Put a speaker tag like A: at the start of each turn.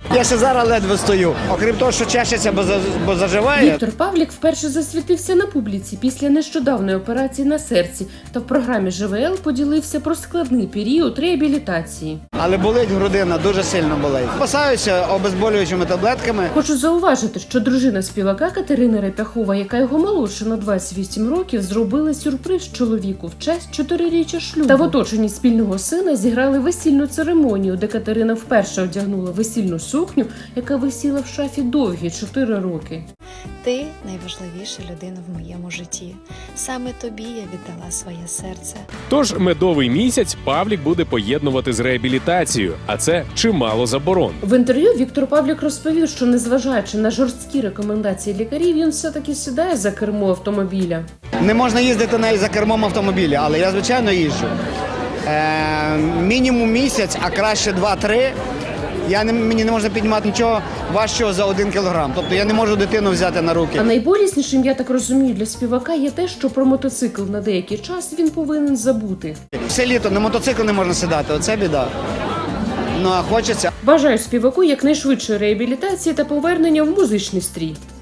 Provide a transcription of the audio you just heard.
A: Я ще зараз ледве стою. Окрім того, що чешеться, бо заживає.
B: Віктор Павлік вперше засвітився на публіці після нещодавної операції на серці та в програмі ЖВЛ поділився про складний період реабілітації.
A: Але болить грудина, дуже сильно болить. Спасаюся обезболюючими таблетками.
B: Хочу зауважити, що дружина співака Катерина Репяхова, яка його молодша на 28 років, зробила сюрприз чоловіку в честь 4-річчя шлюбу. Та в оточенні спільного сина зіграли весільну церемонію, де Катерина вперше одягнула весільну сукню, яка висіла в шафі довгі 4 роки.
C: Ти найважливіша людина в моєму житті. Саме тобі я віддала своє серце.
D: Тож медовий місяць Павлік буде поєднувати з реабілітацією, а це чимало заборон.
B: В інтерв'ю Віктор Павлік розповів, що незважаючи на жорсткі рекомендації лікарів, він все-таки сідає за кермо автомобіля.
A: Не можна їздити навіть за кермом автомобіля, але я, звичайно, їжджу. Мінімум місяць, а краще 2-3. Мені не можна піднімати нічого важчого за 1 кілограм. Тобто я не можу дитину взяти на руки.
B: А найболіснішим, я так розумію, для співака є те, що про мотоцикл на деякий час він повинен забути.
A: Все літо на мотоцикл не можна сідати, оце біда. Ну а хочеться.
B: Бажаю співаку якнайшвидшої реабілітації та повернення в музичний стрій.